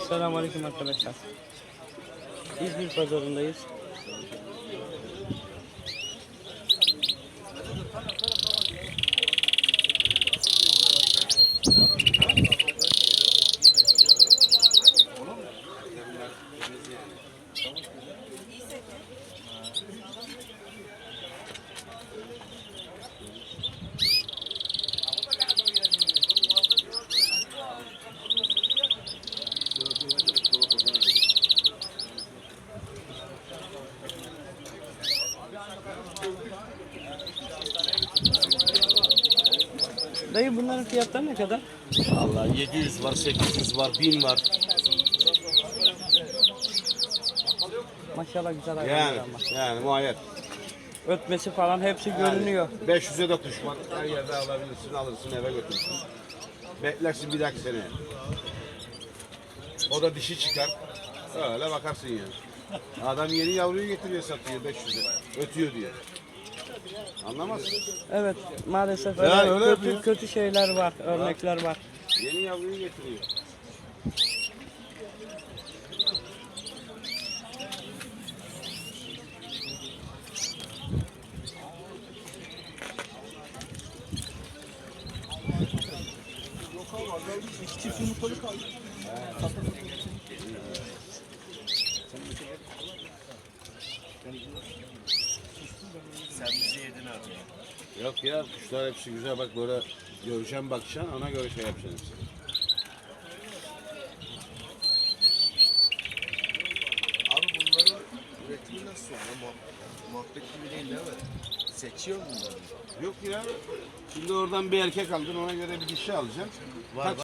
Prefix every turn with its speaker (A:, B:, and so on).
A: Selamünaleyküm arkadaşlar. İzmir pazarındayız. Dayı bunların fiyatları ne kadar?
B: Vallahi 700 var, 800 var, 1000 var.
A: Maşallah güzel hayvanlar
B: Yani,
A: ama.
B: yani muayyer.
A: Ötmesi falan hepsi görünüyor.
B: 500'e de kuş var. Her yerde alabilirsin, alırsın eve götürürsün. Beklersin bir dahaki seneye. O da dişi çıkar. Öyle bakarsın yani. Adam yeni yavruyu getiriyor satıyor 500'e. Ötüyor diye. Anlamazsın.
A: Evet maalesef
B: Yani
A: öyle
B: öyle
A: kötü,
B: yapıyor.
A: kötü şeyler var, örnekler var.
B: Yeni yavruyu getiriyor.
C: İki çift yumurtalı kaldı. Sen bizi yedin abi.
B: Yok ya kuşlar hepsi güzel bak böyle göreceğim bakacaksın ona göre şey yapacaksın hepsi.
C: Abi bunların üretimi nasıl oluyor? Muhabbet gibi değil mi? Seçiyor mu bunları?
B: Yok ya. Şimdi oradan bir erkek aldın ona göre bir dişi alacaksın.
C: Var.